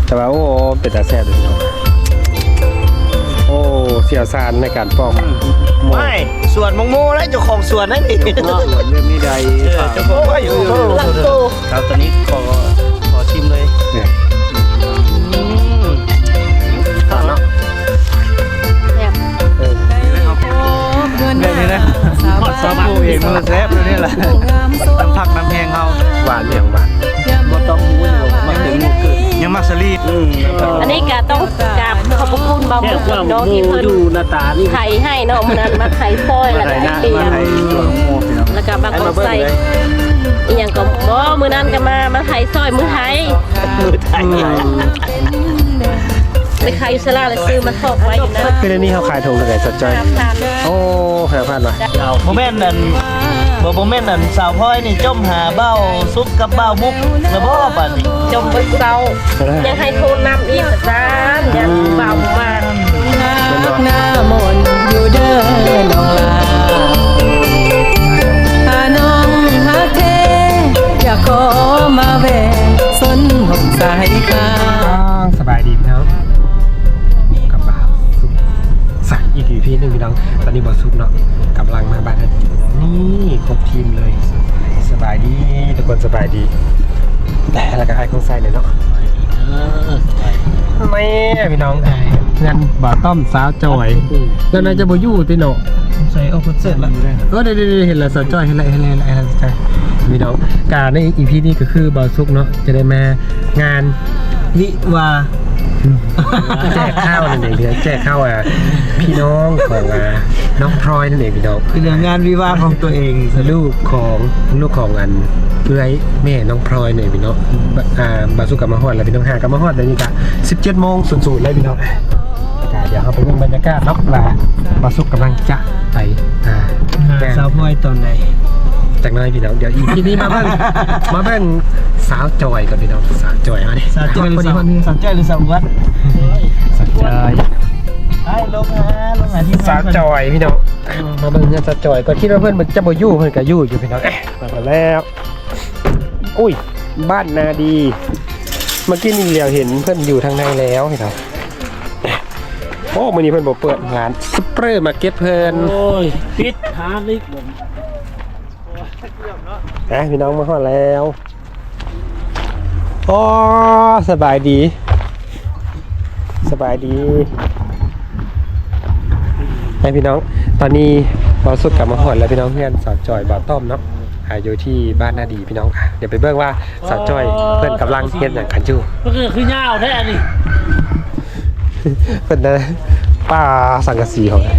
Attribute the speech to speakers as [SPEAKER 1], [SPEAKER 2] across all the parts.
[SPEAKER 1] แต่ว่าโอ้เป็นตาแซ่บเลยเนาะโอ้เสี่ยวซานในการปอก
[SPEAKER 2] ไม่ส่วนมงโมและเจ้าของสวนนั่นเอง
[SPEAKER 3] ส่วนเรื่องนี้ใด
[SPEAKER 2] เจ้าของว่าอยู่หลังโต
[SPEAKER 3] ครับตอนนี้ขอชิมเลย
[SPEAKER 1] เนี่ยเนาะ
[SPEAKER 3] แบบนี้นะฮอดซอปูเองมันแซ่บเลยนี่แหละน้ำผักน้ำแห้งเขา
[SPEAKER 1] หวานอย่างหวาน
[SPEAKER 3] บ่ต้องมู้มาถึงหมูกึ่งยังมักสลีด
[SPEAKER 4] อันนี้ก็ต้องกราบขอบพระคุณบางทุกคนเนาะที่เพิ่น
[SPEAKER 3] ดูหน้าตานี่
[SPEAKER 4] ไข่ให้เนาะมันนั้นมาไข่ซอยแล้วก็ไอเตีย
[SPEAKER 3] มาให้ตัวโมพี่น้อง
[SPEAKER 4] แล้วก็บางคนใส่อีหยังก็บ่มื้อนั้นก็มาไข่ซอยมื้อไทย
[SPEAKER 2] มือไทย
[SPEAKER 4] ไปไข่สลาแล้วซื้อมาทอดไว้อยู่นะ
[SPEAKER 1] คือในนี้เขาขายถุงเท่าไหร่สดใจ
[SPEAKER 4] ทาน
[SPEAKER 1] โอ้5,000ว่ะ
[SPEAKER 2] โมเมนต์นั่นโมเมนต์นั่นสาวพ่อยนี่จมหาเบ้าซุปกับเบ้ามุกแล้วบ่ป่านนี้
[SPEAKER 4] จมเบิ่งเซายังให้โทนน้ำอีกซะยังเบามา
[SPEAKER 5] หน้ามนอยู่เด้อน้องลาหาน้องหาเทอยากขอมาแวะสนหกสายคา
[SPEAKER 1] สบายดีพี่น้องกลับมาสุกสักอีกทีพี่หนึ่งพี่น้องตอนนี้บอสุกเนาะกำลังมาบ้านนี่ครบทีมเลยสบายดีทุกคนสบายดีแต่แล้วก็ให้ของใส่เลยเนาะไม่พี่น้องงานบ่อต้อมสาวจอยแล้วนายจะบ่อยู่ติเนาะ
[SPEAKER 2] ใส่เอาคอนเสิร์ตละ
[SPEAKER 1] เดี๋ยวเห็นแล้วสาวจอยเห็นแล้วใช่พี่น้องการในอีพีนี้ก็คือบ่อสุกเนาะจะได้มางาน
[SPEAKER 2] วิวา
[SPEAKER 1] แจกข้าวนั่นเองแจกข้าวพี่น้องของน้องพลอยนั่นเองพี่น้อง
[SPEAKER 2] คือเรื่องงานวิวาของตัวเอง
[SPEAKER 1] ลูกของอันเอื้อยแม่น้องพลอยเนี่ยพี่น้องบาสุกับมาฮอดแล้วพี่น้องหากับมาฮอดเดี๋ยวนี้ก็17 โมง00เลยพี่น้องเดี๋ยวเราไปดูบรรยากาศเนาะว่าบาสุกำลังจะไป
[SPEAKER 2] สาวพ่อยตอนไหน
[SPEAKER 1] จากนั้นพี่น้องเดี๋ยวอีพีนี้มาเบิ่งสาวจอยกับพี่น้องสาวจอยมาดิ
[SPEAKER 2] สาวจ้อยหรือสาววัด
[SPEAKER 1] สาวจอย
[SPEAKER 2] ไอ้ลงหาที่
[SPEAKER 1] สาวจอยพี่น้องมาเบิ่งเนี่ยสาวจอยก็คิดว่าเพื่อนมันจะบ่อยู่เพื่อนก็อยู่พี่น้องมาแล้วอุ้ยบ้านนาดีเมื่อกี้นี่เหลียวเห็นเพื่อนอยู่ทางในแล้วพี่น้องโอ้มื้อนี้เพื่อนบ่เปิดร้านซุปเปอร์มาร์เก็ตเพิ่น
[SPEAKER 3] โอ้ยปิดหาลิกผม
[SPEAKER 1] พี่น้องมาฮอดแล้วอ๋อสบายดีพี่น้องตอนนี้เราสุดกลับมาหอดแล้วพี่น้องเพื่อนสาวจอยบ่าวต้อมเนาะอยู่ที่บ้านนาดีพี่น้องเดี๋ยวไปเบิ่งว่าสาวจอยเพื่อนกำลังเฮ็ดอย่างกันอยู่
[SPEAKER 3] ก็คือเงาแท้นี่
[SPEAKER 1] เพื่อนนะป้าสังกะสีของ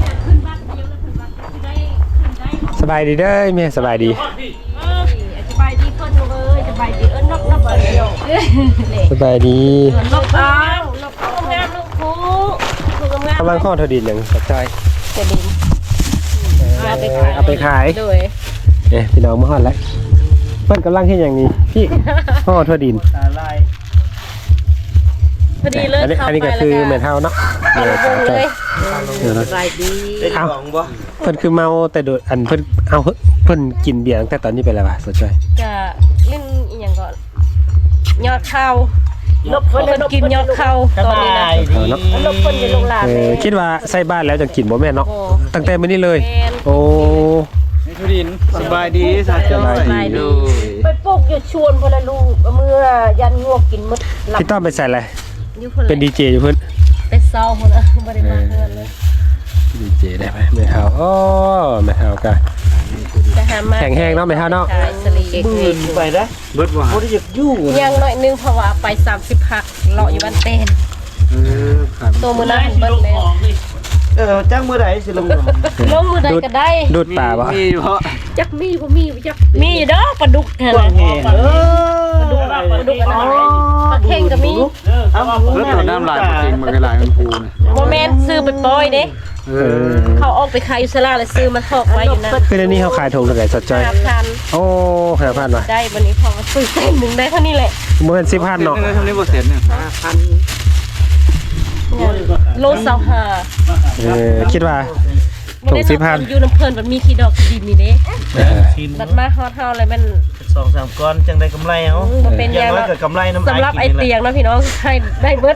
[SPEAKER 1] สบายดีเด้อแม่สบายดี
[SPEAKER 4] สบายดีเพิ่นเลยสบายดีนกเดียว
[SPEAKER 1] สบายดี
[SPEAKER 4] นกอ้าวนกงามลูกครูงาม
[SPEAKER 1] กำลังข้อเธอดินอย่างสาวจอย
[SPEAKER 4] จะดิน
[SPEAKER 1] เอาไปขาย
[SPEAKER 4] ด้วย
[SPEAKER 1] พี่น้องมาฮอดแล้วเพื่อนกำลังเฮ็ดอย่างนี้พี่ข้อเธอดิน
[SPEAKER 2] ตาลาย
[SPEAKER 4] พอดีเลย
[SPEAKER 1] อันนี้ก็คือเหมือนเฮาเนาะ
[SPEAKER 4] เอาลงเลย
[SPEAKER 1] เดี๋ยวนะ
[SPEAKER 4] สบายดี
[SPEAKER 2] ได้ของบ่
[SPEAKER 1] เพิ่นคือเมาแต่โดดอันเพิ่นกินเบียร์ตั้งแต่ตอนนี้เป็นอะไรวะสดใจ
[SPEAKER 4] จะเล่นอีหยังก่อนยอดข้าวเพิ่นกินยอดข้าวตอนนี้นะนกเพิ่นอยู่โรงหลานเลย
[SPEAKER 1] คิดว่าใส่บ้านแล้วจะกินบ่แม่นเนาะ
[SPEAKER 4] โอ้
[SPEAKER 1] ตั้งแต่มื้อนี้เลย
[SPEAKER 4] แม่น
[SPEAKER 1] โอ้
[SPEAKER 3] ทุดินสบายดีสาวจอย
[SPEAKER 4] สบายดีไปปลูกอยู่ชวนพนละลูกเมื่อยันงวกกินมดหลับ
[SPEAKER 1] พี่ต้อมไปใส่อะไร
[SPEAKER 4] อยู่พุ่น
[SPEAKER 1] เป็นดีเจอยู่เพิ่น
[SPEAKER 4] ไปเศร้าพุ่นน่ะบ่ได้มาเฮือนเลย
[SPEAKER 1] ดีเจได้ไหมแม่เฮาโอ้แม่เฮาก็
[SPEAKER 4] จะหามา
[SPEAKER 1] แข็งแรงเนาะแม่เฮาเนาะ
[SPEAKER 4] ขายสลี
[SPEAKER 2] บืนไปนะ
[SPEAKER 3] เบิดว่า
[SPEAKER 2] บ่ได้อยากอยู่
[SPEAKER 4] ยังหน่อยนึงเพราะว่าไป30พักเลาะอยู่บ้านเต้นตัวมื้อนั้นเบิดแล้ว
[SPEAKER 2] จ้างเมื่อไหร่สิลง
[SPEAKER 4] ลงมื้อใดก็ได้
[SPEAKER 1] ดูดป่าบ่
[SPEAKER 3] มีเพราะ
[SPEAKER 4] จักมีบ่มีจักมีเด้อปลาดุกนั่น
[SPEAKER 2] กว้าง
[SPEAKER 4] น่ะ
[SPEAKER 2] แห่
[SPEAKER 4] ปลาดุกอันนั้นปลาเข่งก็มี
[SPEAKER 3] เบิดตัวน้ำลายจริงมันก็ลายมันพูนะ
[SPEAKER 4] บ่แม่นซื้อไปปล่อยเด้เขาออกไปขายอยู่ศาลาแล้วซื้อมาทอกไว้อยู่นั่น
[SPEAKER 1] คือในนี้เขาขายถุงเท่าไหร่สดใจ
[SPEAKER 4] 5,000
[SPEAKER 1] โอ้5,000ว่ะ
[SPEAKER 4] ได้วันนี้พอมาซื้อเส้นหนึงได้เท่านี้แหละ
[SPEAKER 1] บ่แม่น10,000เนาะ
[SPEAKER 3] ทำนี้บ่เสร็จเนี่ย
[SPEAKER 4] โล25
[SPEAKER 1] คิดว่าถุง10,000
[SPEAKER 4] อยู่น้ำเพลินมันมีขี้ดอกขี้ดินนี่เด้
[SPEAKER 2] ทีม
[SPEAKER 4] บัดมาฮอดเฮาอะไรมัน
[SPEAKER 2] 2-3 ก้อนจังได้กำไรเอา
[SPEAKER 4] บ่เป็น
[SPEAKER 2] อย่าง
[SPEAKER 4] ยัง
[SPEAKER 2] น้อยก็กำไรน้ำ
[SPEAKER 4] สำหรับไอ้เตียงเนาะพี่น้องให้ได้เบิด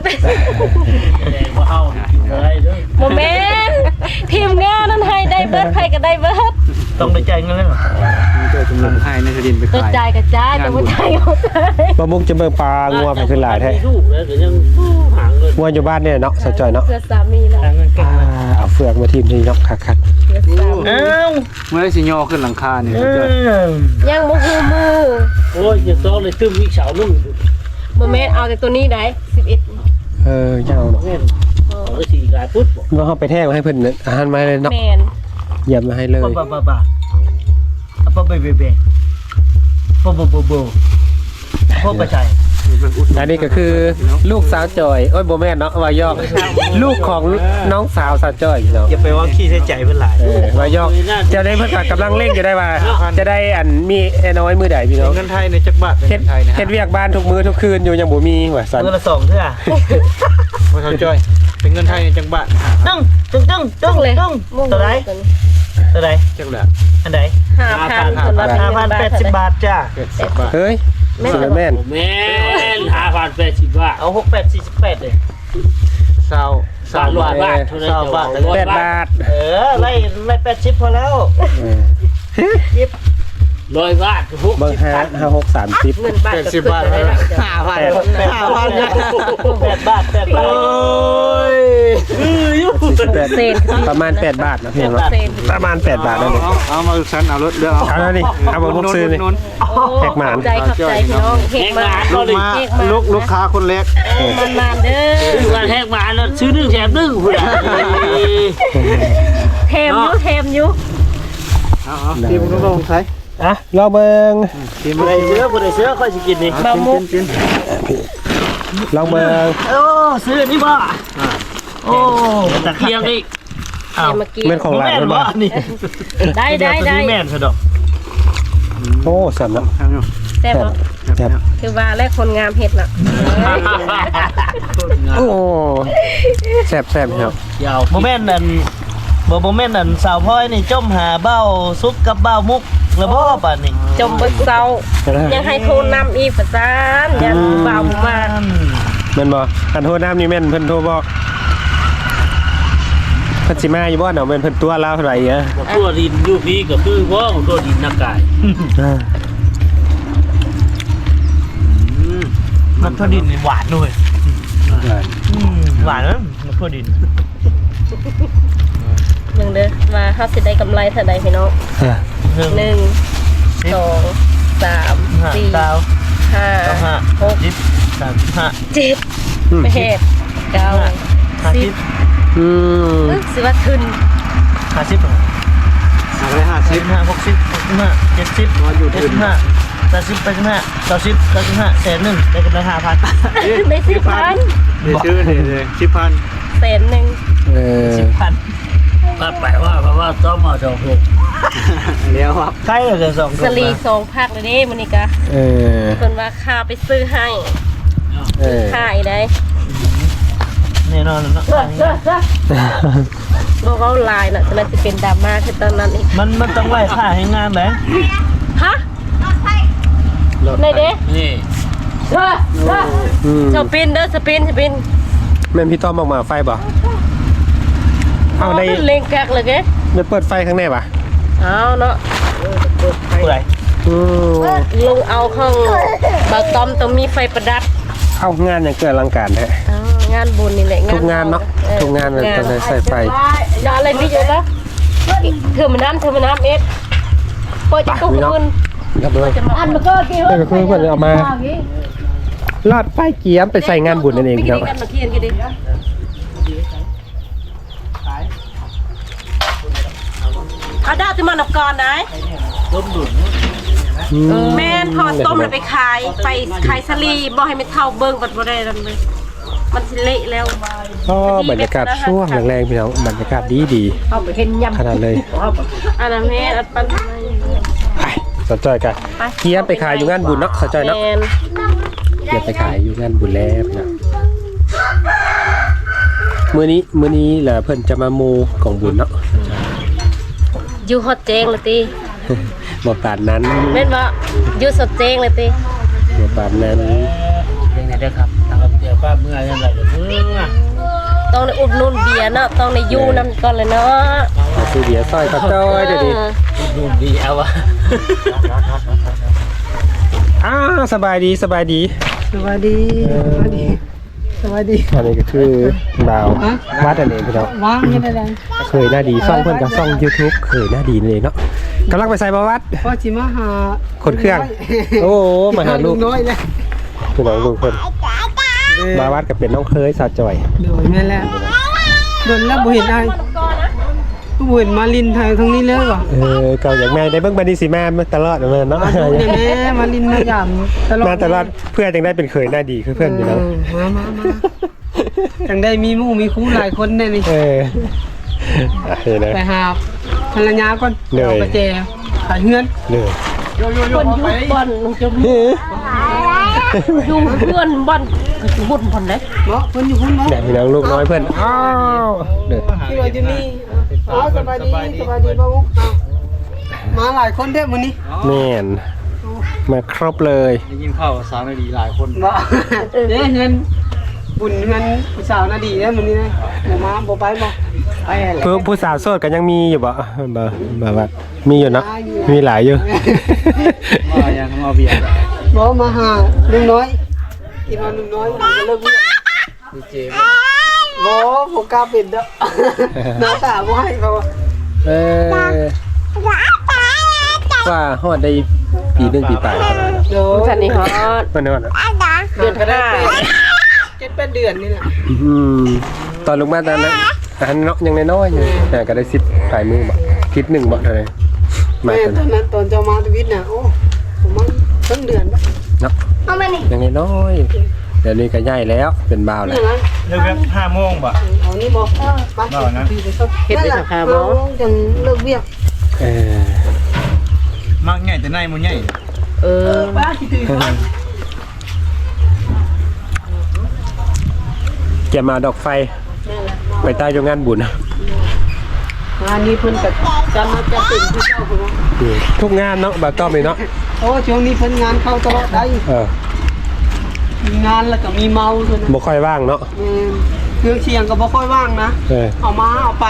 [SPEAKER 4] บ่แม่นทีมงานนั้นให้ได้เบิดใครก็ได้เบิด
[SPEAKER 2] ต้องได้จ่ายเงินแล้ว
[SPEAKER 3] มีตัวกำลังให้ในทะดินไป
[SPEAKER 4] กระ
[SPEAKER 3] ขาย
[SPEAKER 4] จายกระจายแต่บ่จ่ายบ่จ่าย
[SPEAKER 1] บ่มุกจะเบิ่งปลางัวไปขึ้นหลายแท้งัวอยู่บ้านเนี่ยเนาะสาวจอยเนาะ
[SPEAKER 4] เพื่อสามีนะ
[SPEAKER 1] เอาเฟือกมาทีมนี้เนาะคัก
[SPEAKER 4] เพื่อสามี
[SPEAKER 2] อ้าว
[SPEAKER 3] เมื่อได้สิย่อขึ้นหลังคาเนี่ย
[SPEAKER 4] ยังบ่ฮู้มือ
[SPEAKER 6] โอ้ยอย่าซ้อเลยตึ้มอีกเสาลุ่ม
[SPEAKER 4] บ่แม่นเอาแต่ตัวนี้ได้11
[SPEAKER 1] ยังเอาเนาะ
[SPEAKER 6] แม่นเอาได้สี่กายปุ๊บบอก
[SPEAKER 1] ว่าเขาไปแทกมาให้เพิ่นอาหารมาให้เลยเนาะ
[SPEAKER 4] แม่น
[SPEAKER 1] เยี่ยมมาให้เลย
[SPEAKER 2] บ้าพ่อไปใจ
[SPEAKER 1] อันนี้ก็คือลูกสาวจอยโอ้ยโบแม่นเนาะวายอกลูกของน้องสาวสาวจอยเนาะ
[SPEAKER 2] อย่าไปว่าขี้ใช้ใจเพื่อนหลาย
[SPEAKER 1] วายอกจะได้เพิ่นก็กำลังเร่งอยู่ได้ว่า จะได้อันมีไอ้น้อยมือใดพี่น้อง
[SPEAKER 3] เงินไทยในจักรบาท
[SPEAKER 1] เฮ็ด
[SPEAKER 3] ไทยนะ
[SPEAKER 1] เฮ็ดเวียกบ้านทุกมื้อทุกคืนอยู่ยังบ่มีว่าซั่น
[SPEAKER 2] เงินละ2เท่า
[SPEAKER 3] ว่าเขาจ้อยเป็นเงินไทยในจักรบาท
[SPEAKER 2] ตึ้งตัวไหนตัวไหน
[SPEAKER 3] จักรแหละ
[SPEAKER 2] อันไหน
[SPEAKER 4] 5,000สำหรับ
[SPEAKER 2] 5,080
[SPEAKER 4] 5,080
[SPEAKER 2] บาทจ้า
[SPEAKER 3] 80 บาท
[SPEAKER 1] เฮ้ยสิแม่น
[SPEAKER 6] แม่น5,080 บาท
[SPEAKER 2] เอา6848เลย
[SPEAKER 3] ซาวซาวบาท
[SPEAKER 6] บาทเท่านั้น
[SPEAKER 2] บาท
[SPEAKER 1] 8 บาท
[SPEAKER 2] ไล่80พอแล้ว
[SPEAKER 6] 100 บาททุก
[SPEAKER 1] เบิ่ง5 6 30
[SPEAKER 4] เงินบาทก็
[SPEAKER 3] 80 บาท
[SPEAKER 4] ได้ละ
[SPEAKER 2] 8 บาท
[SPEAKER 3] โอ้ย
[SPEAKER 4] เซน
[SPEAKER 1] ประมาณ8 บาทนะพี่น้องเนาะ
[SPEAKER 4] เซน
[SPEAKER 1] ประมาณ8 บาทนั่นเอง
[SPEAKER 3] เอามาฉันเอารถเด้อ
[SPEAKER 1] เอาแล้วนี่เอามาพวกซื้อนี่ แขกหมาน
[SPEAKER 4] ขอบใจพี่น้องเฮกมา
[SPEAKER 3] ลูกมาลูกค้าคนเล็ก
[SPEAKER 4] มันเด้อ
[SPEAKER 6] ซื้อมาแทกมาแล้วซื้อ1แถม1พุ่นน่ะ
[SPEAKER 4] เทมอยู่
[SPEAKER 3] เอาทีมลูกน้องใส่
[SPEAKER 1] อ่ะรอเบิ่ง
[SPEAKER 3] ทีม
[SPEAKER 2] บ่ได้เสื้อค่อยสิกินนี่
[SPEAKER 3] บะมุกกิน
[SPEAKER 1] ลองเบิ่ง
[SPEAKER 2] โอ้ซื้อนี่บ่โอ้ตะ
[SPEAKER 6] เกียงอีก
[SPEAKER 4] เทมมากิน
[SPEAKER 1] เป็นของหลาน
[SPEAKER 2] แม่น
[SPEAKER 1] มัน
[SPEAKER 2] บ่
[SPEAKER 1] บ่
[SPEAKER 2] นี่
[SPEAKER 4] ได้
[SPEAKER 2] แม่นซะดอก
[SPEAKER 1] โอ้สั่นเนาะ
[SPEAKER 3] ทางอยู่
[SPEAKER 4] แซ่บ
[SPEAKER 1] แซ่บ
[SPEAKER 4] คือว่าแลกคนงามเฮ็ดน่ะ
[SPEAKER 1] โอ้แซ่บแซ่บครับ
[SPEAKER 6] ยาว
[SPEAKER 2] บ่แม่นอันบ่แม่นอันสาวพลอยนี่จมหาเบ้าซุกกับเบ้ามุกแล้วบ่ป่านนี้
[SPEAKER 4] จมเบิดเซายังให้โทรนำอีกประสานยันเบามา
[SPEAKER 1] แม่นบ่อันโทรน้ำนี่แม่นเพิ่นโทรบอกเพิ่นสิมาอยู่บ่เนาะแม่นเพิ่นตัวลาวเท่าไหร่อ่ะ
[SPEAKER 6] บอกตัวดินอยู่พี่ก็คือว่าของตัวดินนักกาย
[SPEAKER 2] มันทั่วดินนี่หวานด้วยหวานนะมันทั่วดิน
[SPEAKER 4] เบิ่งเด้อว่าเฮาสิได้กำไรเท่าใดพี่น้อง 1 2 3 4 5 6 7 8 9 10
[SPEAKER 1] อืม
[SPEAKER 4] สิว่าขึ้น
[SPEAKER 2] 50
[SPEAKER 3] อะไร50
[SPEAKER 2] 55 60 65 70
[SPEAKER 3] อยู่ทุน
[SPEAKER 2] 80 85 90 95แสนหนึ่งได้กำไร 5,000
[SPEAKER 4] ได้10,000
[SPEAKER 3] เดี๋ยวชื่อเลย10,000
[SPEAKER 4] แสนหนึ่ง
[SPEAKER 2] 10,000
[SPEAKER 6] ก็แปลว่าต้องมาดอกหก
[SPEAKER 3] เดี๋ยวครับ
[SPEAKER 2] ใครเลย2
[SPEAKER 4] สลี2พักเลยเด้มื้อนี้กะ
[SPEAKER 1] เออ
[SPEAKER 4] เพิ่นว่าค่าไปซื้อให้
[SPEAKER 1] เออ
[SPEAKER 4] ค่ายได้
[SPEAKER 2] แน่นอนเนาะ
[SPEAKER 4] บ่เว้าหลายน่ะฉะนั้นสิเป็นดราม่าคือตอนนั้นอีก
[SPEAKER 2] มันต้องไล่ค่าให้งานแหละ
[SPEAKER 4] ฮะไหนเด้
[SPEAKER 6] นี่
[SPEAKER 1] อืม
[SPEAKER 4] สปินเด้อสปิน
[SPEAKER 1] แม่นพี่ต้อมออกมาไฟบ่เอาได้
[SPEAKER 4] เล่งกักเลยเด้
[SPEAKER 1] ไปเปิดไฟข้างในป่ะ
[SPEAKER 4] เอาเนาะ
[SPEAKER 2] ผู้ใด
[SPEAKER 1] อืม
[SPEAKER 4] ลงเอาข้างบ่ต้อมต้องมีไฟประดับ
[SPEAKER 1] เอางานอย่างเกิดอลังการแท้
[SPEAKER 4] งานบุญนี่แหละ
[SPEAKER 1] ทุกงานเนาะทุกงานมันต้องใส่ไฟ
[SPEAKER 4] อย่าอะไรพี่อยู่แล้วเธอมาน้ำเอ็ดเปิดจะตุ้มคุณ
[SPEAKER 1] ครับเลย
[SPEAKER 4] อันมันก็กี่
[SPEAKER 1] นี่ก็คือเพิ่นเอามาลอดไฟเกียมไปใส่งานบุญนั่นเองครับ
[SPEAKER 4] กันมาเทียนกันดิอาดาที่มันออกก่อนได้ แม่นพอต้มแล้วไปขายสลีบ่ให้มันเท่าเบิ่งบัดบ่ได้นั่นเลยมันสิเละแล้ว
[SPEAKER 1] ก็บรรยากาศช่วงแรงๆพี่น้องบรรยากาศดี
[SPEAKER 4] เอาไปเห็นยำ
[SPEAKER 1] ขนาดเลย
[SPEAKER 4] อันนั้นแม่อันปัน
[SPEAKER 1] ไปสะจอยกันเกียมไปขายอยู่งานบุญเนาะสะจอยเนาะ
[SPEAKER 4] แม่น
[SPEAKER 1] เกียมไปขายอยู่งานบุญแล้วพี่น้องมื้อนี้แหละเพิ่นจะมาโมของบุญเนาะ
[SPEAKER 4] อยู่ฮอดเจงเลยติ
[SPEAKER 1] บ่ปานนั้น
[SPEAKER 4] แม่นบ่อยู่สดเจงเลยติ
[SPEAKER 1] บ่ปานนั้น
[SPEAKER 6] ยังไงเด้อครับทางเดียวป้าเมื่อยังไงเมื่อ
[SPEAKER 4] ต้องได้อุดหนุนเบียร์เนาะต้องได้อยู่นำก่อนเลยเนาะ
[SPEAKER 1] ซื้อเบียร์ซอยข้าวจ้อยเดี๋ยวนี้
[SPEAKER 6] ดูดีเอาวะ
[SPEAKER 1] สบายดีสบายดี
[SPEAKER 5] สวัสดีสวัสดีสวัสดี
[SPEAKER 1] อันนี้ก็คือดาววัดอันนี้พี่น้อง
[SPEAKER 5] ว่างยังไงล่ะ
[SPEAKER 1] เคยหน้าดีซ่องเพื่อนกับซ่อง YouTube เคยหน้าดีนี่เนาะกำลังไปใส่บวัด
[SPEAKER 5] พ่อจิมาหา
[SPEAKER 1] คนเครื่อง โอ้มาหาลูก
[SPEAKER 5] น้อยเลย
[SPEAKER 1] พี่น้องลูกเพิ่นบวัดกับเป็นน้องเคยสาวจอย
[SPEAKER 5] โดยแม่แล้วโดนแล้วบ่เห็นได้บ่เห็นมาลินไทยทั้งนี้เลยว่ะ
[SPEAKER 1] ก็อย่างแม่ได้เบิ่งบันดีสิแม่มาตลอดเลยเนาะ
[SPEAKER 5] มาดูเนี่ยแม่มาลินมาหยามตลอด
[SPEAKER 1] มาตลอดเพื่อนจังได้เป็นเคยหน้าดีคือเพื่อนอยู่แล้ว
[SPEAKER 5] มาจังได้มีหมู่มีคู่หลายคนได้นี่
[SPEAKER 1] เห็นนะ
[SPEAKER 5] ไปหาภรรยาก่อน
[SPEAKER 1] เหนื่อย
[SPEAKER 5] เอาไปแจขายเฮือน
[SPEAKER 1] เลย
[SPEAKER 4] คนอยู่บ่อนจะอยู่เพื่อนบ่อนบุญบ่อนเด้
[SPEAKER 5] เนาะเพิ่นอยู่พุ่นเนาะ
[SPEAKER 1] เนี่ยพี่น้องลูกน้อยเพื่อนอ้าวเด้อ
[SPEAKER 5] ที่ว่าอยู่นี่อ๋อสบายดีบ่าวมาหลายคนเด้อมื้อนี้
[SPEAKER 1] แม่นมาครบเลย
[SPEAKER 3] ได้ยินข่าวสาวนาดีหลายคน
[SPEAKER 5] บ่เด้เงินบุญเงินผู้สาวน่ะดีเด้อมื้อนี้นะบ่มาบ่ไปบ่ไปแหละ
[SPEAKER 1] ผู้สาวโสดกันยังมีอยู่บ่ว่ามีอยู่เนาะมีหลายอยู่
[SPEAKER 3] มายังมาเบียร์
[SPEAKER 5] บ่มาหาลุงน้อยคิดว่าลุงน้อยมันจะเลิกเรียน
[SPEAKER 3] ดีเจ
[SPEAKER 5] บ่บ่กล้าเป็นเด้อหน้าตาบ่ให้บ่
[SPEAKER 1] ว่าฮอดได้ปีหนึงปีปลาย
[SPEAKER 5] เดี๋ยว
[SPEAKER 4] ท่านนี่ฮอด
[SPEAKER 1] มันฮอด
[SPEAKER 4] เดือนก็ได้
[SPEAKER 5] 7-8 เดือนนี่แหละ
[SPEAKER 1] ตอนลงมาตอนนั้นอันเนาะยังน้อยๆอยู่แต่ก็ได้10ปลายมือบ่คิดหนึ่งบ่เท่าไหร่มา
[SPEAKER 5] แม่
[SPEAKER 1] ตอน
[SPEAKER 5] ตอนนั้นตอนเจ้ามาทวิตน่ะโอ้ผมมันต้นเดือนปะ
[SPEAKER 1] เนาะยังน้อยๆเดี๋ยวนี้ก็ใหญ่แล้วเป็นบ่าวแล้ว
[SPEAKER 5] นี่นะ
[SPEAKER 3] เลิกแล้ว5 โมงป่ะ
[SPEAKER 5] เอานี่บ่ไป
[SPEAKER 3] บ่นะ
[SPEAKER 4] เฮ็ดได้สัก5โมง
[SPEAKER 5] จังเลิกเวียก
[SPEAKER 3] มักใหญ่แต่ในมันใหญ่
[SPEAKER 5] ป้าคิดถึง
[SPEAKER 1] จะมาดอกไฟไปใต้โรงงานบุญ
[SPEAKER 5] งานนี้เพิ่นก็จะมาจะเป็นผู้เจ้าพุ่นว่า
[SPEAKER 1] ทุกงานเนาะบ่ต้อมเลยเนาะ
[SPEAKER 5] โอ้ช่วงนี้เพิ่นงานเข้าตลอดได้ มีงานแล้วก็มีเมาเพิ่น
[SPEAKER 1] บ่ค่อยว่างเนาะ
[SPEAKER 5] เครื่องเสียงก็บ่ค่อยว่างนะ เอามาเอาไป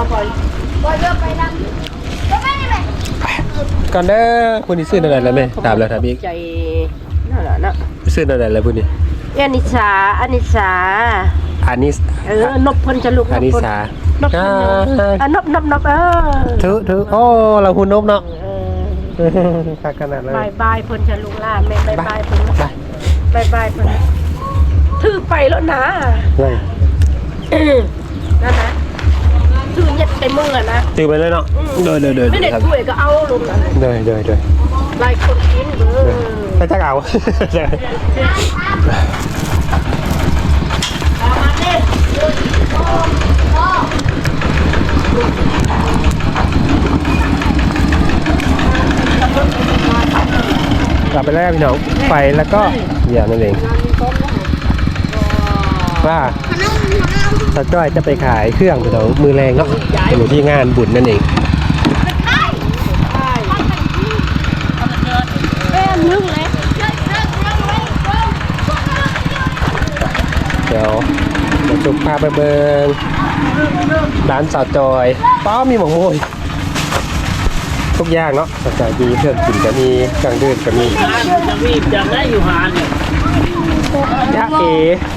[SPEAKER 1] ก่อนเด้อผู้นี้ซื้ออะไรแล้วแม่ถามแล้วถามอีก
[SPEAKER 4] ใจนั่นแหละเนาะ
[SPEAKER 1] ซื้ออะไรแล้วผู้นี้
[SPEAKER 4] อานิสาอานิสา
[SPEAKER 1] อานิส
[SPEAKER 4] นบเพิ่นจะลูก
[SPEAKER 1] อานิสาน
[SPEAKER 4] บนบ
[SPEAKER 1] ถือโอ้เราหุ่นนบเนาะคักขนาดเลย
[SPEAKER 4] บายเพิ่นจะลูกล่าแม่บายเพิ่นบายเพิ่นถือไปแล้วนะ นั่นนะถือยัดไปมือนะ
[SPEAKER 1] ตื่นไปเลยเนาะเดิน
[SPEAKER 4] ไม่ได้ถ้วยก็เอาลงนะ
[SPEAKER 1] เดิน
[SPEAKER 4] หลายคนกินเด้อ
[SPEAKER 1] ไปจักเอากลับไปแล้วพี่น้องไปแล้วก็อย่างนั่นเองว่าสาวจ้อยจะไปขายเครื่องพี่น้องมือแรงเนาะอยู่ที่งานบุญนั่นเองเดี๋ยวมาจุกพาไปเบิงร้านสาวจอยป้ามีหมกมวยทุกอย่างเนาะสาวจอยมีเครื่องกินก็มีเครื่องดื่มก็มี
[SPEAKER 6] จะมีจะได้อยู่หาเนี่ย
[SPEAKER 1] ยะเอ๋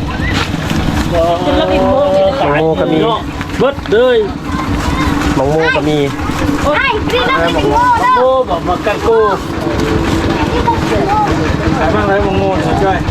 [SPEAKER 6] แล้วมีโมก็มีเบิดเลย
[SPEAKER 1] หมกโมก็มี
[SPEAKER 6] โมบอกมากันโก
[SPEAKER 3] ขายมากเลยโมงช่วย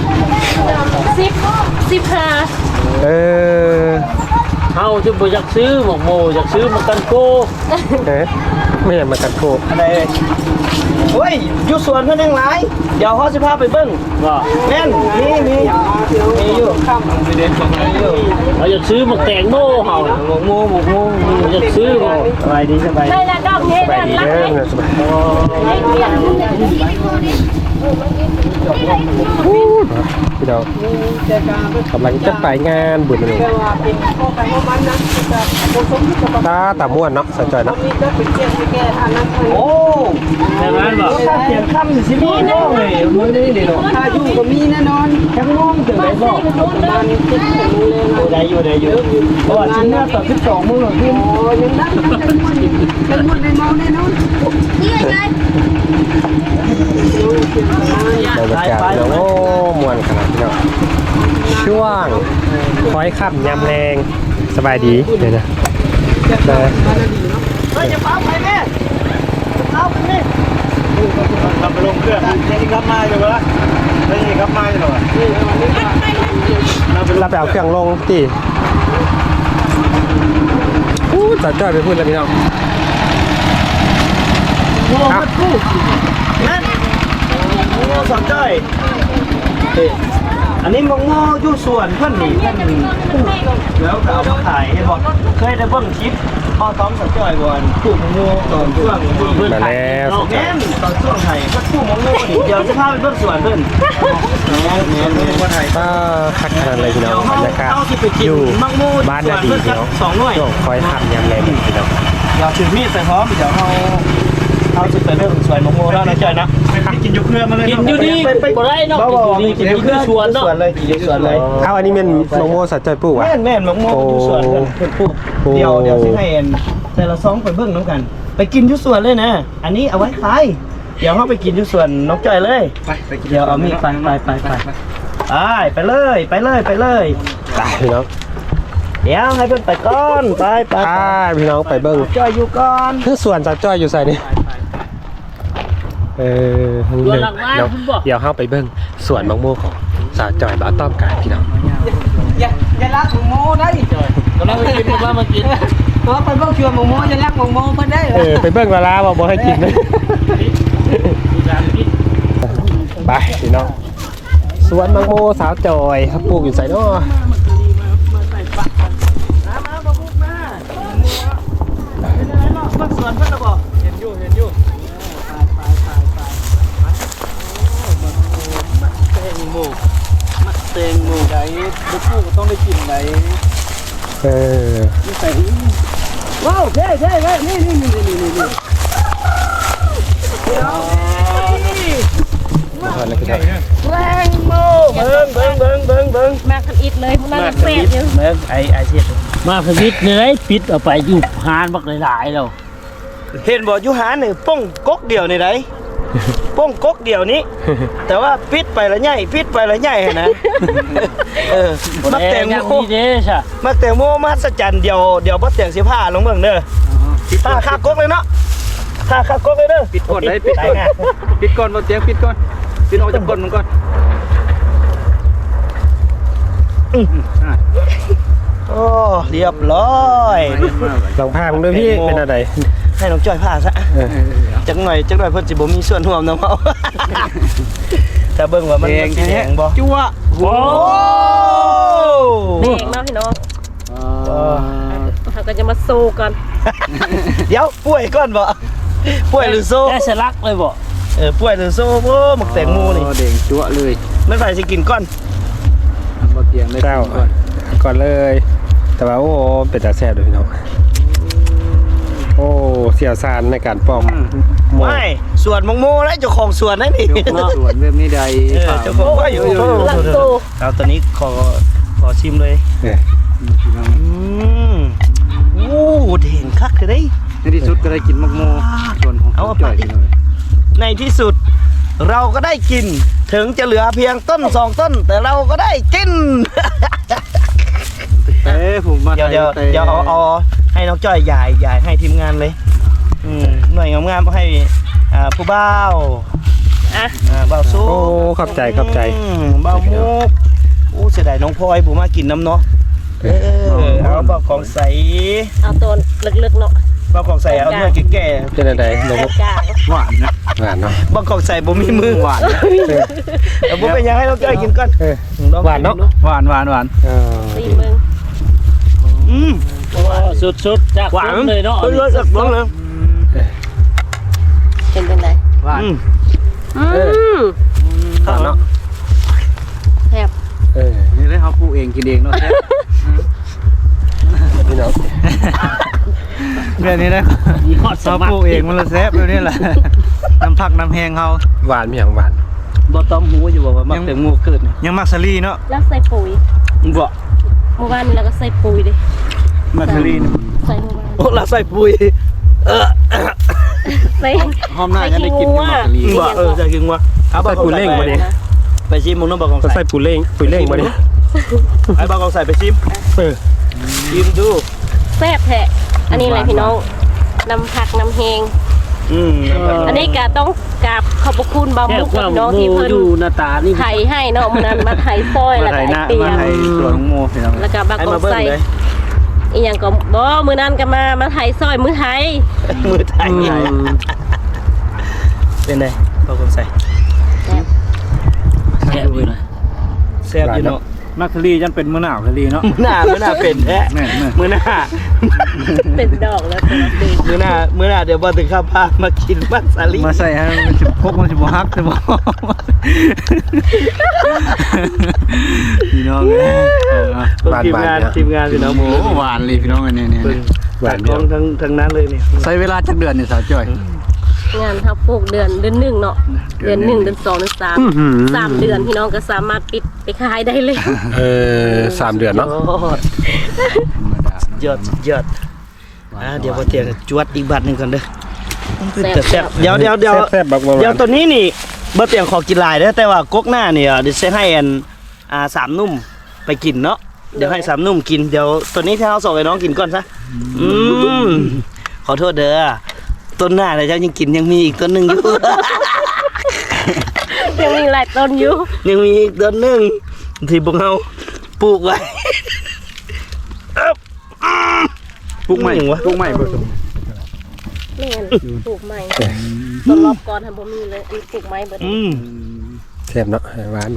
[SPEAKER 1] เออ
[SPEAKER 6] เฮาจะบ่อยากซื้อหมกโมอยากซื้อมากันโก
[SPEAKER 1] ไม่อยากมาตัดโค
[SPEAKER 2] อะไรโอ้ยอยู่สวนเพิ่นยังหลายเดี๋ยวเขาสิพาไปเบิ่ง
[SPEAKER 6] ว่า
[SPEAKER 2] แม่นมีอยู่
[SPEAKER 3] เด็ดของอะไรอยู่
[SPEAKER 6] เราอยากซื้อหมกแตงโมเฮาหมกโมอยากซื้อบ่
[SPEAKER 2] สบายดีสบาย
[SPEAKER 4] ได้แล้วดอก
[SPEAKER 1] สบายดีเด้อสบายพี่น้องกำลังจะไปงานบุญเลยตาม่วนเนาะสะใจเนาะ
[SPEAKER 2] โอ้แต่ร้านบอกถ้าเสียงค่ำสิมีน้องเลยมื้อนี้นี่เนาะ
[SPEAKER 5] ถ้าอยู่ก็มีแน่นอน
[SPEAKER 2] แค่น้องถึงได้บอก
[SPEAKER 5] ประมาณ10 โมงเลยนะ
[SPEAKER 2] ได้อยู่เพราะว่าชิ้นเนื้อต่อ12มื้อพี่
[SPEAKER 5] โอ้ยังได้เป็นหมดในเมาแน่นอน
[SPEAKER 1] บรรยากาศเนาะโอ้ม่วนขนาดนี้เนาะช่วงคอยค่ำยำแรงสบายดีเลยนะแต่
[SPEAKER 2] เฮ้ยอย่าเฝ้าไปแม่เฝ้าไปแม่
[SPEAKER 3] ทำไปลงเครื่องนี่ครับมาอยู่ละนี่ครับมาอยู่หรอ
[SPEAKER 1] เราไปเอาเครื่องลงตีจัดจ้อยไปพูดแล้วพี่น้อง
[SPEAKER 2] โง่มากู้นั่นโง่สนใจอันนี้มังโง่อยู่ส่วนเพื่อนนี่เพื่อนนี่แล้วก็เอามาขายให้บอกเคยได้เบิ่งคลิปพ่อต้อมสนใจก่อนกู้มังโง่ตอนช่วงเพื่อน
[SPEAKER 1] มาแล้ว
[SPEAKER 2] แม่นตอนช่วงไทยก็กู้มังโง่ดิเดี๋ยวจะพาไปเบิ่งส่วนเพื่อนแม่นไทย
[SPEAKER 1] ก็คักขนาดเลยพี่น้องบรรยากาศอยู่บ้านนาดีพี่น้อง
[SPEAKER 2] 2 หน่วย
[SPEAKER 1] ช่วงคอยทำยำแรงพี่น้อง
[SPEAKER 2] เดี๋ยวถือมีดไปพร้อมเดี๋ยวเอาจะไปเรื่องสวยมังโง่แล้วนะจอยนะ
[SPEAKER 3] กินอยู่เครื่องมาเลย
[SPEAKER 6] กินอยู่นี่บ่ได้เนาะกินอยู่ที่สวนเนาะ
[SPEAKER 2] เลยกินอยู่สวนเลย
[SPEAKER 1] เอาอันนี้เป็นโมโมสัจจอยปลูกวะ
[SPEAKER 2] แม่นมังโง่อยู่สวนกันเพื่อนปุ๊บเดี๋ยวสิให้เอ็นแต่ละซองไปเบิ่งน้ำกัน ไปกินอยู่สวนเลยนะอันนี้เอาไว้ขายเดี๋ยวเขาไปกินอยู่สวนนกจอยเลย
[SPEAKER 3] ไปกิน
[SPEAKER 2] เดี๋ยวเอามีดไปเลยไปเลย
[SPEAKER 1] ไปพี่น้อง
[SPEAKER 2] เดี๋ยวให้เพิ่นไปก่อนไป
[SPEAKER 1] พี่น้องไปเบิ้ง
[SPEAKER 2] จอยอยู่ก่อน
[SPEAKER 1] คือส่วนสัจจอยอยู่ใส่นี่เดี๋ยวเข้าไปเบิ้งสวนมะม่วงของสาวจอยบ้าต้อมกันพี่น้อง
[SPEAKER 5] อย่ารักหมูโมได้
[SPEAKER 6] กำลังมากิน
[SPEAKER 5] ตัวไปบ่ชวนหมูโมอย่ารักหมูโมเพิ่นได้
[SPEAKER 1] ไปเบิ้งเวลาบอกให้กินเลยไปพี่น้องสวนมะม่วงสาวจอยเขาปลูกอยู่ใส่เนาะ
[SPEAKER 2] สวนเพิ่นบอก
[SPEAKER 3] เห็นอยู่
[SPEAKER 2] เต็งหมู
[SPEAKER 3] ไหนลูกคู่ก็ต้องได้กินไหน
[SPEAKER 2] นี่ใส่ว้าวเท่นี่
[SPEAKER 1] มาทานอะไรกันได้
[SPEAKER 2] แรงโมเบิ่ง
[SPEAKER 4] มากันอิดเลยพวกนั้นแซ่บอยู่
[SPEAKER 2] เบิ่งไอ้เสีย
[SPEAKER 6] มาพวิทย์นี่ได้ปิดเอาไปอยู่หานบักหลายๆแล้ว
[SPEAKER 2] เห็นบ่อยู่หานี่ป้องก๊กเดียวนี่ไดป้องก๊กเดียวนี้ แต่ว่าปิดไปละใหญ่นะมักแตงโม
[SPEAKER 6] นี่เด้ซะ
[SPEAKER 2] มักแตงโมมหัศจรรย์เดี๋ยวบ่แตงสิผ้าลงเบิ่งเด้อผ้าคาก๊กเลยเนาะผ้าคาก๊กเลยเด้อ
[SPEAKER 3] ปิดก่อนได้ปิดก่อนบ่เตียงปิดก่อนปิดออกจากก้นมันก่อน
[SPEAKER 2] โอ้เรียบร้อย
[SPEAKER 1] ลองพามึงด้วยพี่เป็นอะไร
[SPEAKER 2] ให้น้องจ้อยผ้าซะจังหน่อยเพิ่นสิบ่มีส่วนร่วมนำเฮาถ้าเบิ่งว่ามันสิแดงบ่
[SPEAKER 3] จั่ว
[SPEAKER 2] โอ้
[SPEAKER 4] แดงเนาะพี่น้องเขาก็จะมาโซกัน
[SPEAKER 2] เดี๋ยวป่วยก่อนบ่ป่วยหรือโซ่
[SPEAKER 6] แค่สลักเลยบ่
[SPEAKER 2] ป่วยหรือโซ่บ่หมักแตงโมนี่
[SPEAKER 3] เด้งจั่วเลย
[SPEAKER 2] มันไปสิกินก่อน
[SPEAKER 3] บ่เตียงได้
[SPEAKER 1] เจ้าก่อนเลย แต่ว่าโอ้เป็นตาแซ่บเลยพี่น้องโอ้เสียวซานในการป้อม
[SPEAKER 2] ไม่สวนมังโมแล้วเจ้าของสวนนั่นนี่
[SPEAKER 3] สวนแบบนี้ใด
[SPEAKER 2] เจ้าของว่าอยู่
[SPEAKER 4] ลังโซ
[SPEAKER 2] เอาตอนนี้ขอชิมเลยโอ้เด่นคักเลย
[SPEAKER 3] ในที่สุดก็ได้กินมักโมส่วนของจ่อย
[SPEAKER 2] ในที่สุดเราก็ได้กินถึงจะเหลือเพียงต้น2 ต้น แต่เราก็ได้กิน
[SPEAKER 3] ผมมา
[SPEAKER 2] เดี๋ยวเอาให้น้องจ้อยยายให้ทีมงานเลยหน่วยงามๆให้ผู้บ่าวบ่าวสู้
[SPEAKER 1] โอ้ขอบใจ
[SPEAKER 2] บ่าวมุกโอ้เสียดายน้องพลอยบุมากินน้ำเนาะเอาบ่าวของใส
[SPEAKER 4] เอาตัวลึกๆเนาะ
[SPEAKER 2] บ่าวของใสเอาเนื้อแก่
[SPEAKER 1] เป็นอะไรลง
[SPEAKER 4] กลาง
[SPEAKER 3] หวานนะ
[SPEAKER 1] หวานเนาะ
[SPEAKER 2] บ่าวของใสบ่มีมือหวานบ่เป็นยังให้น้องจ้อยกินก่อน
[SPEAKER 1] หวานเนาะ
[SPEAKER 3] หวาน
[SPEAKER 4] ตีมึง
[SPEAKER 6] สุดๆจาก
[SPEAKER 2] หวาน
[SPEAKER 6] เลยเนาะ
[SPEAKER 2] เลยสักบ้างเลย
[SPEAKER 4] เป็นไง
[SPEAKER 3] หวาน
[SPEAKER 1] ข้าวเนาะ
[SPEAKER 4] แซ่บ
[SPEAKER 3] นี่ได้เขาปลูกเองกินเองเนาะแซ่บ
[SPEAKER 1] พี่น้อง
[SPEAKER 3] แบบนี้นะเขาปลูกเองมันละแซ่บแบบนี้แหละน้ำผักน้ำแห้งเขา
[SPEAKER 1] หวานมีอย่างหวาน
[SPEAKER 2] บ่ต้มหูอยู่บ่ว่ามักแต่งูเกิดนี่
[SPEAKER 3] ยังมักสลีเนาะ
[SPEAKER 4] แล้วใส่ปุ๋ย
[SPEAKER 2] บ่
[SPEAKER 4] เมื่อวานนี้เราก็ใส่ปุ๋ยดิ
[SPEAKER 3] มักสลี
[SPEAKER 4] ใส่เมื่อวาน
[SPEAKER 2] โอ้ละใส่ปุ๋ย
[SPEAKER 4] ใส่
[SPEAKER 3] หอมหน้าจะได้กินกับมักสลี
[SPEAKER 2] บ่จะกินว่าเอาบ่
[SPEAKER 1] ใส่ปูเล่งบ่ดิ
[SPEAKER 2] ไปชิมมึงต้องบอกกอง
[SPEAKER 1] ก็
[SPEAKER 2] ใส่
[SPEAKER 1] ใส่ปูเล่งบ่ดิ
[SPEAKER 2] ไอ้บ่กองใส่ไปชิมชิมดู
[SPEAKER 4] แซ่บแท้อันนี้อะไรพี่น้องน้ำผักน้ำแหงอันนี้ก็ต้องกราบขอบพระคุณบามุกกับน้องที่เพิ่น
[SPEAKER 6] อยู่หน้าตานี่
[SPEAKER 4] ไถให้เนาะมันนั้นมาไถซอย
[SPEAKER 3] มา
[SPEAKER 4] แล้ว
[SPEAKER 3] ไท
[SPEAKER 4] ก็
[SPEAKER 3] ยห
[SPEAKER 4] ไอ
[SPEAKER 3] น้า
[SPEAKER 4] เตีย
[SPEAKER 3] มาง ไทยสวนของโมพี่น้อง
[SPEAKER 4] แล้วก็บาง
[SPEAKER 2] ไอ้
[SPEAKER 4] กอ
[SPEAKER 2] มาง เบิ้ง
[SPEAKER 4] ใส่
[SPEAKER 2] เลย
[SPEAKER 4] อีหยังก็บ่มื้อนั้นก็มาไถซอยมื้อไทย
[SPEAKER 2] มือไทยเป็นไงบ่กองใส่
[SPEAKER 4] แซ่บ
[SPEAKER 6] แซ่บอยู่นะ
[SPEAKER 2] แซ่บอยู่เนาะ
[SPEAKER 3] มักสลีจันเป็นมะนาวสลีเนาะ
[SPEAKER 2] มื้อหน้าเป็นแท้
[SPEAKER 3] แม่
[SPEAKER 2] มื้อหน้า
[SPEAKER 4] เป็นดอกแล้วตัวดี
[SPEAKER 2] มื้อหน้าเดี๋ยวบ่ถึงข้าวพามากินมักสาลี
[SPEAKER 3] มาใส่ให้มันสิพกมันสิบ่ฮักสิบ่พี่น้อง
[SPEAKER 2] ทีมงานพี่น้องหมู
[SPEAKER 3] หวานเลยพี่น้องเนี่ย
[SPEAKER 1] หวาน
[SPEAKER 2] กองทั้งนั้นเลยนี่
[SPEAKER 3] ใช้เวลาจักเดือนนี่สาวจ้อย
[SPEAKER 4] งานทับปลูกเดือนหนึ่งเนาะเดือนหนึ่งเดือนสองเดือนสาม3 เดือนพี่น้องก็สามารถปิดไปขายได้เลย
[SPEAKER 1] 3 เดือนเนาะ
[SPEAKER 2] ยอดเดี๋ยวพอเตียงจวดอีกบัตรหนึ่งก่อนเด้อแซ่บเดี๋ยว
[SPEAKER 1] แซ่บบักหวาน
[SPEAKER 2] เดี๋ยวตัวนี้นี่บ่เตียงขอกินหลายเด้อแต่ว่ากกหน้าเนี่ยเดี๋ยวจะให้สามนุ่มไปกินเนาะเดี๋ยวให้สามนุ่มกินเดี๋ยวตัวนี้ที่เราส่งให้น้องกินก่อนซะขอโทษเด้อต้นหน้าเลยเจ้ายังกินยังมีอีกต้นหนึ่งอยู่
[SPEAKER 4] ยังมีหลายต้นอยู่
[SPEAKER 2] ยังมีอีกต้นหนึ่งที่พวกเราปลูกไว้
[SPEAKER 3] ปลูกใหม่ปลูกใหม่ผสม
[SPEAKER 4] แม่นปลูกใหม่ต้นรอบก่อนทำบ่มีเลยอันนี้ปลูกไม้เบิด
[SPEAKER 1] แซ่บเนาะหวาน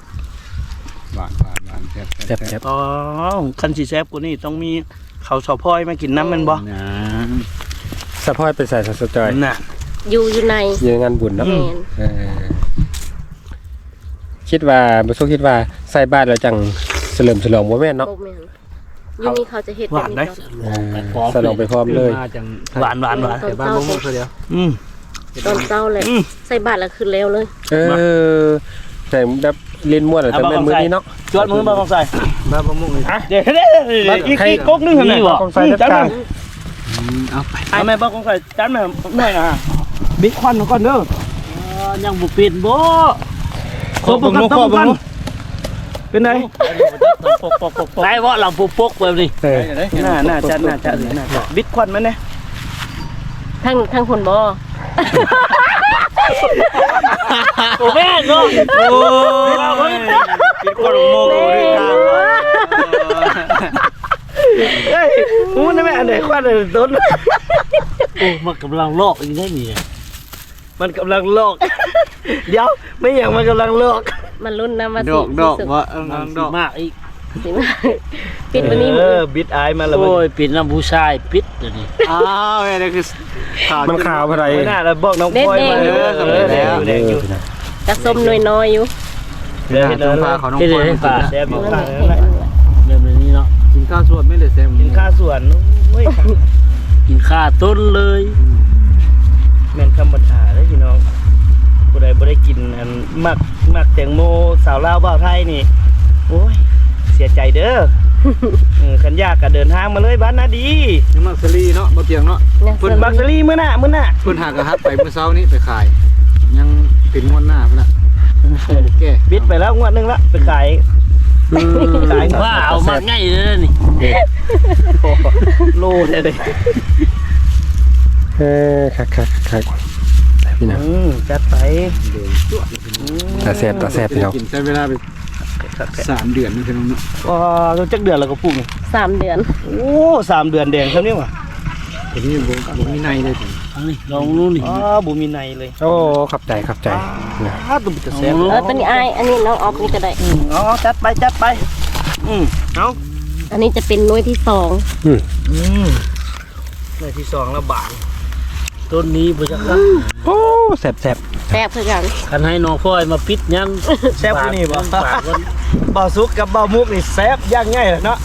[SPEAKER 1] แซ่บ
[SPEAKER 2] อ๋อคันสีแซบกูนี่ต้องมีเขาวสอพอยมากินน้ำมันบ่
[SPEAKER 1] สะพอยไปใส่สจอย
[SPEAKER 2] น่ะ
[SPEAKER 4] อยู่ใน
[SPEAKER 1] อยู่งานบุญเนาะ
[SPEAKER 4] แม่น
[SPEAKER 1] คิดว่าบ่สู้คิดว่าใส่บ้านแล้วจังเฉลิมฉลองบ่แม่นเนาะ
[SPEAKER 4] บ่แม่นอยู่นี่เขาจะเฮ็ดแบบนี้ก่อน
[SPEAKER 1] ฉลองไปพร้อมเลย
[SPEAKER 3] มาจัง
[SPEAKER 2] หวาน
[SPEAKER 4] ตอน
[SPEAKER 3] บ้าน
[SPEAKER 4] เช้า
[SPEAKER 3] มุกเดียว
[SPEAKER 4] ตอนเช้าเลยใส่บาตรแล้วขึ้นแล้วเลย
[SPEAKER 1] แต่แบบเล่นม่วนแต่แม่นมื้อนี้เนาะ
[SPEAKER 2] จวดมือมาของใส่
[SPEAKER 3] บ้านมะม่วง
[SPEAKER 2] เดี๋ยวอีกก๊กนึงเห็นไหม
[SPEAKER 1] ของใส่จัดการ
[SPEAKER 3] เอาไป
[SPEAKER 2] ไอ้แม่บ้าของใส่จานแม่หน่อยนะบิ๊กควันก่อนเด้อ
[SPEAKER 6] ยังบุปิดบ่
[SPEAKER 2] ขอบคุณเป็นไง
[SPEAKER 6] ไรวะเราปกแบบนี้
[SPEAKER 2] น่าจะบิ๊กควันมันเนี่ย
[SPEAKER 4] ทั้งคนบ่
[SPEAKER 6] โอ้แม่เนาะ
[SPEAKER 2] โอ้ยบิ๊กควันโมกูด้วยทางเฮ้ยอู้นั่นแม่อันไหนควันอันต้น
[SPEAKER 6] โอ้มันกำลังลอกอีกได้นี่
[SPEAKER 2] มันกำลังโลกเดี๋ยวไม่อย่างมันกำลังโลก
[SPEAKER 4] มันรุ่นนะมา
[SPEAKER 3] ดอกว่าดอก
[SPEAKER 6] มากอีก
[SPEAKER 4] สิมาปิดวันนี้
[SPEAKER 2] บิดอายมาแล้ว
[SPEAKER 6] โอ้ยปิดน้ำผู้ชายปิดเดี๋ยวนี้
[SPEAKER 3] อ้าวนี่คือข่าว
[SPEAKER 1] มันขาวอะไร
[SPEAKER 2] ไม่น่าแล้วบอกน้องพลอยมาแดงอยู่
[SPEAKER 4] กระส้มน้อยๆอยู่
[SPEAKER 2] เดี๋ยว
[SPEAKER 3] จงพาเขาน้อง
[SPEAKER 6] ที่
[SPEAKER 3] พล
[SPEAKER 6] เดี๋
[SPEAKER 3] อ
[SPEAKER 6] ยวให้
[SPEAKER 3] ย
[SPEAKER 6] ป่า
[SPEAKER 2] แซ่บอยู่
[SPEAKER 4] นั่น
[SPEAKER 2] ข้า
[SPEAKER 4] แห
[SPEAKER 2] ง
[SPEAKER 4] ละ
[SPEAKER 2] นั้นแหละ
[SPEAKER 6] แบบนี้เนาะ
[SPEAKER 3] กินข้าวสวดไม่ได้แซม
[SPEAKER 2] กินข้าวสวนโอ้ย
[SPEAKER 6] กินข้าต้นเลย
[SPEAKER 2] แม่นคำบัญชาเลยพี่น้องผู้ใดบ่ได้กินอันมักแตงโมสาวลาวบ่าวไทยนี่โอ้ยเสียใจเด้อขันยากก็เดินทางมาเลยบ้านนาดี
[SPEAKER 3] ยังมักสลีเนาะบ่เตียงเนาะ
[SPEAKER 2] ฝุ่นบักซรี่มื้อหน้า
[SPEAKER 3] เพิ่นหากระฮับไปเมื่อเช้านี้ไปขาย ยังเป็นงวดหน้าพุ่นน่ะแก่
[SPEAKER 2] บิดไปแล้วงวดนึงละไปขายขาย
[SPEAKER 6] ว่าเอามาง่ายเลยนี่
[SPEAKER 2] โลเลย
[SPEAKER 1] คักพี่น้อง
[SPEAKER 2] จัดไป
[SPEAKER 1] ตาแซ่บพี่น้อง
[SPEAKER 3] กินใช้เวลาไป3 เดือนนี่พี่น้องเนาะ
[SPEAKER 2] ว้าจักเดือนแล้วก็ปลูกนี่
[SPEAKER 4] 3 เดือน
[SPEAKER 2] โอ้3 เดือนแดงเท่านี้ว่ะ
[SPEAKER 3] ทีนี้บ่มีในเลยจ้ะ
[SPEAKER 6] เอานี่ลองนู่นนี่
[SPEAKER 2] อ๋อบ่มีในเลย
[SPEAKER 1] โอ้ขับใจ
[SPEAKER 2] ตุ้มจะแซ่บ
[SPEAKER 4] ตัวนี้อันนี้น้องออฟนี่ก็ได้
[SPEAKER 2] อ๋อจัดไปเอา
[SPEAKER 4] อันนี้จะเป็นหน่วยที่2
[SPEAKER 2] ในที่2แล้วบาง
[SPEAKER 6] ต้นนี้บ่จักครับ
[SPEAKER 1] โอ้แซ่บ
[SPEAKER 4] แซ่บคือกัน
[SPEAKER 6] คันให้น้องพ่อยมาปิดยัง
[SPEAKER 2] แซ่บอยู่นี่บ่
[SPEAKER 6] ฝากไว้
[SPEAKER 2] บ่าวซุกกับบ่าวมุกนี่แซ่บย่างง่ายเลยเนาะ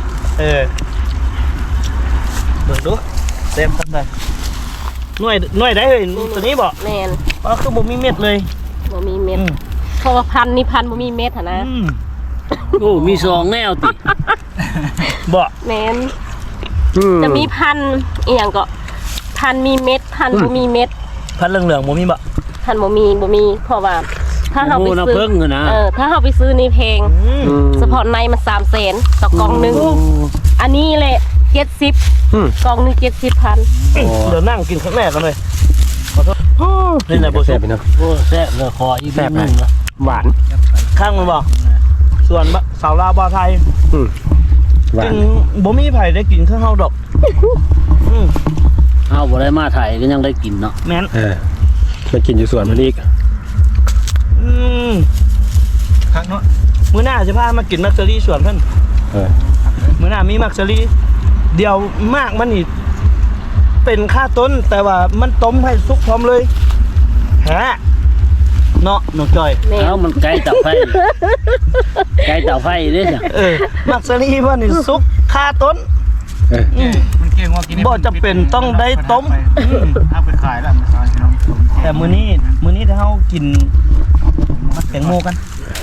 [SPEAKER 2] เบิ่งดูแซ่บทำได้หน่วยได้เฮ้ยตัวนี้บ่
[SPEAKER 4] แม่น
[SPEAKER 2] อ๋อคือบ่มีเม็ดเลย
[SPEAKER 4] บ่มีเม็ดเพราะว่าพันธุ์นี่พันธุ์บ่มีเม็ดหั่นนะ
[SPEAKER 6] โอ้มี2แนวติ
[SPEAKER 2] บ่
[SPEAKER 4] แม่น
[SPEAKER 1] ๆ
[SPEAKER 4] จะมีพันธุ์อีหยังก็พันธุ์มีเม็ดพันธุ์บ่มีเม็ด
[SPEAKER 2] พันเหลืองๆบ่มีบ่
[SPEAKER 4] พันธุ์บ่มีเพราะว่าถ้าเฮาไป
[SPEAKER 6] โอ้น้ำ
[SPEAKER 4] ซื้
[SPEAKER 6] เพิ่งอะนะ
[SPEAKER 4] ถ้าเฮาไปซื้อนี่แพงเฉพาะในมัน300,000ต่อกล่องหนึงอันนี้แหละ70กล่องหนึง70,000
[SPEAKER 2] เดี๋ยวนั่งกินข้างแรกกันเลยขอโทษนี่แหละบ่ซุ
[SPEAKER 1] แซ่บ
[SPEAKER 2] ก
[SPEAKER 1] พี่น้อง
[SPEAKER 6] โอ้แซ่บเลยคออีก
[SPEAKER 1] แซ่บ
[SPEAKER 6] นึ
[SPEAKER 1] นะ
[SPEAKER 6] งนะ
[SPEAKER 1] หวาน
[SPEAKER 2] ข้างมันบ่ส่วนสาวลาวบ่าวไทย
[SPEAKER 1] หวา
[SPEAKER 2] กิ
[SPEAKER 1] น
[SPEAKER 2] นบ่มีไผได้กินข้างเฮาดอกอืม
[SPEAKER 6] เอาบ่ได้มาไทยก็ยังได้กินเนาะ
[SPEAKER 2] แม่น
[SPEAKER 1] มากินอยู่สวนมันอีก
[SPEAKER 2] อืมข้างเนาะมื้อหน้าจะพามากินมักซะรี่สวนเพิ่น มื้อหน้ามีมักซะรี่เดี๋ยวมากมันนี่เป็นค่าต้นแต่ว่ามันต้มให้สุกพร้อมเลยฮะเนาะน้องจอย
[SPEAKER 4] แม่น
[SPEAKER 6] เอามันไกลเตาไฟไกลเตาไฟเด้จ้ะ
[SPEAKER 2] มักซะรี่เพิ่นนี่สุกค่าต้น
[SPEAKER 3] มันเก่งว่ากิน
[SPEAKER 2] บ่จำเป็นต้องได้ต้ม
[SPEAKER 3] เอาไปขายแล้วมาขายน้อง
[SPEAKER 2] แต่มื้อนี้ถ้าเฮากินมักแตงโมกัน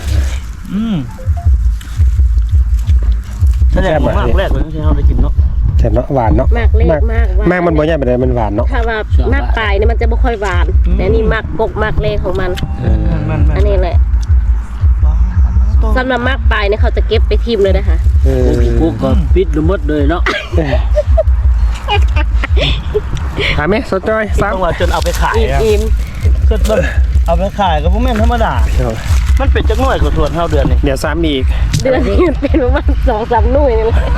[SPEAKER 2] แสดงว่ามากแรกเลยที่เฮาได้กินเนาะ
[SPEAKER 1] แซ่บเนาะหวานเนาะ
[SPEAKER 4] มากเล็กมาก
[SPEAKER 1] มากมันบ่ใหญ่ปานใดมันหวานเนาะ
[SPEAKER 4] ถ้าว่ามากปลายนี่มันจะบ่ค่อยหวานแต่นี่มากกกมากเลขของมัน อันนี้แหละสำหรับมากปลายเนี่ยเขาจะเก็บไปทิมเลยนะคะ
[SPEAKER 6] กูก็ปิดหมดเลยเนาะ
[SPEAKER 1] หาไหมสดจอย
[SPEAKER 2] ต้องว่าจนเอาไปขายอะ
[SPEAKER 4] อิ่ม
[SPEAKER 2] จนแบบเอาไปขายก็บ่แม่นธรรมดา มันเป็นจักหน่วยกว่าส่วนเท่าเดือนนี่
[SPEAKER 1] เดี๋ยวซ้ำอีก
[SPEAKER 4] เดือนนี้มันเป็นประมาณ2-3 หน่วยนี่แหละ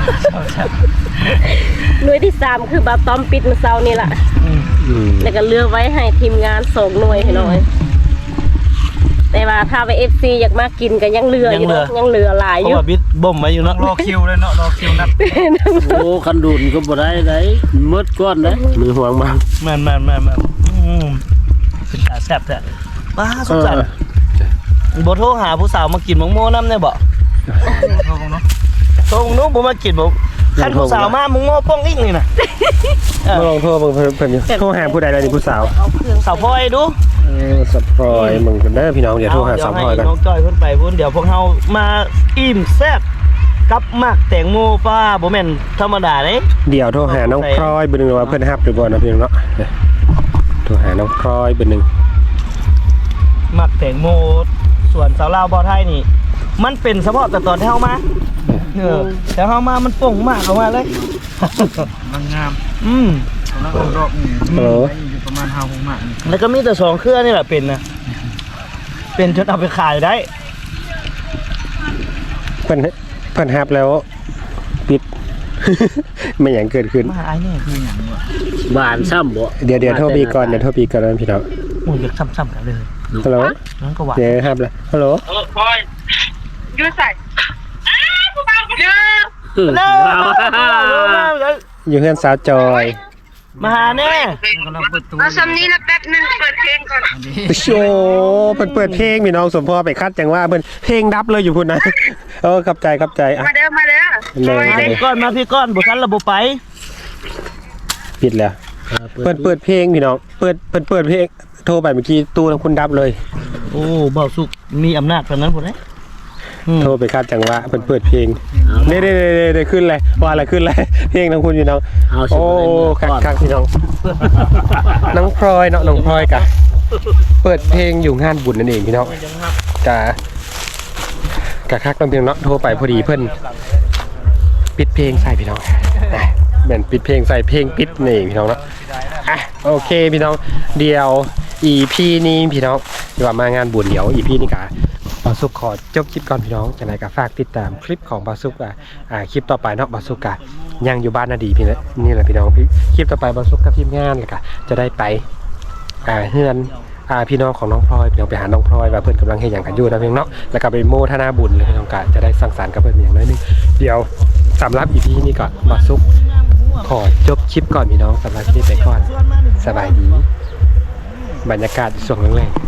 [SPEAKER 4] หน่วยที่ 3 คือบาตอมปิดเมื่อเช้านี่แหละแล้วก็เลือกไว้ให้ทีมงาน2 หน่วยให้หน่อย แต่ว่าถ้าไป FC อยากมากินก็ยังเหลืออยู่เนาะยังเหลือหลาย
[SPEAKER 2] เพ
[SPEAKER 4] อยู่
[SPEAKER 2] ราะว่าบิดบ่มไว้อยู่เนาะ
[SPEAKER 3] รอคิวเลยเนาะรอคิวนัด
[SPEAKER 6] โอ้คันดุนก็บ่ได้ได้หมดก้อนเด้
[SPEAKER 1] มือห่วงมาก
[SPEAKER 2] แม่นเป็นตาแซ่บแท้ป้าสงสารบ่โทรหาผู้สาวมากินมังโม่นำได้บ่โทรนู้บ่มากินบ่คันผู้สาวมามังโม่ป้องอีกนี่น่ะ
[SPEAKER 1] มาลองโทรเพิ่นอยู่โทรหาผู้ใดได้นี่ผู้สาว
[SPEAKER 2] สาวพลอยดู
[SPEAKER 1] สับพลอยมึงกันเด้อพี่น้องเดี๋ยวโทรหาสาวพลอยกัน
[SPEAKER 2] น้องจอยเพิ่นไปพุ่นเดี๋ยวพวกเฮามาอิ่มแซ่บกับหมักแตงโมป้าบ่แม่นธรรมดาเด้
[SPEAKER 1] เดี๋ยวโทรหาน้องพลอยเบอร์หนึ่งว่าเพิ่นฮับหรือบ่นะพี่น้องเนาะโทรหาน้องพลอยเบอร์หนึ่ง
[SPEAKER 2] หมักแตงโมส่วนสาวลาวบ่อไทยนี่ มันเป็นเฉพาะแต่ตอนที่เฮามาแต่เฮามามันป่งมากออกมาเลย
[SPEAKER 3] มันงาม แล้วก็รอบ
[SPEAKER 1] ฮัลโหล
[SPEAKER 3] อยู่ประมาณ5 6 มาก
[SPEAKER 2] แล้วก็มีแต่2เครือนี่แหละเป็นนะเป็นจนเอาไปขายได้
[SPEAKER 1] เพิ่นฮับแล้วปิด ไม่อย่างเกิดขึ้น
[SPEAKER 2] มาไอ้นี่คือหยังวะ
[SPEAKER 6] บานซ้ำบ่
[SPEAKER 1] เดี๋ยวโทรปีก่อนนะพี่น้อง
[SPEAKER 2] โอ้ยอยากซ้ำๆกันเลย
[SPEAKER 1] ฮัลโหล
[SPEAKER 2] นั่นก็ว่า
[SPEAKER 1] เดี๋ยวฮับแล้วฮัลโหล
[SPEAKER 2] เร็ว
[SPEAKER 1] อยู่เฮือนสาวจอย
[SPEAKER 2] มาหาแน่
[SPEAKER 3] กำลังเปิดตู้
[SPEAKER 7] เอาซ้ำนี้นะแป๊บหนึงเปิดเพลงก่อน
[SPEAKER 1] โชเพิ่นเปิดเพลงพี่น้องสมพอไปคัดจังว่าเพิ่นเพลงดับเลยอยู่พุ่นนะขับใจอ่ะ
[SPEAKER 7] มาเด้อมาเด้อ
[SPEAKER 1] เลย
[SPEAKER 2] มาพี่ก้อนมาพี่ก้อนบ่ทันระบบไป
[SPEAKER 1] ปิดแล้วเปิดเพลงพี่น้องเปิดเพลงโทรไปเมื่อกี้ตู้ทั้งคุณดับเลย
[SPEAKER 2] โอ้เบาสุกมีอำนาจปานนั้นพุ่นเด้
[SPEAKER 1] โทรไปคัดจังว่าเปิดเพลงได้ขึ้นเลยว่าอะไรขึ้นเลยเพลงทั้งคุณพี่น้อง
[SPEAKER 6] เอาสิ
[SPEAKER 1] โอ้
[SPEAKER 6] บ่ได้หมดก้อน
[SPEAKER 1] คักพี่น้องน้องพลอยเนาะน้องพลอยกะเปิดเพลงอยู่งานบุญนั่นเองพี่น้องกะคักน้องเพียงเนาะโทรไปพอดีเพิ่นปิดเพลงใส่พี่น้องแม่นปิดเพลงใส่เพลงปิดนี่พี่น้องเนาะโอเคพี่น้องเดี๋ยว EP นี้พี่น้องที่ว่ามางานบุญเดี๋ยว EP นี้กะบาสุกขอจบคลิปก่อนพี่น้องจังไดก็ฝากติดตามคลิปของบาสุกคลิปต่อไปเนาะบาสุกยังอยู่บ้านนาดีพี่นี่แหละพี่น้องคลิปต่อไปบาสุกกับทีมงานเลยก็จะได้ไปเฮือนพี่น้องของน้องพลอยพี่น้องไปหาน้องพลอยว่าเพิ่นกำลังเฮ็ดหยังกันอยู่นะพี่น้องเนาะแล้วก็ไปโมทนาบุญเลยพี่น้องก็จะได้สังสรรค์กับเพิ่นอย่างน้อยนึงเดี๋ยวสำหรับ EP นี้ก่อนบาสุกขอจบคลิปก่อนพี่น้องสำหรับคลิปไปก่อนสบายดีบรรยากาศช่วงแรกๆ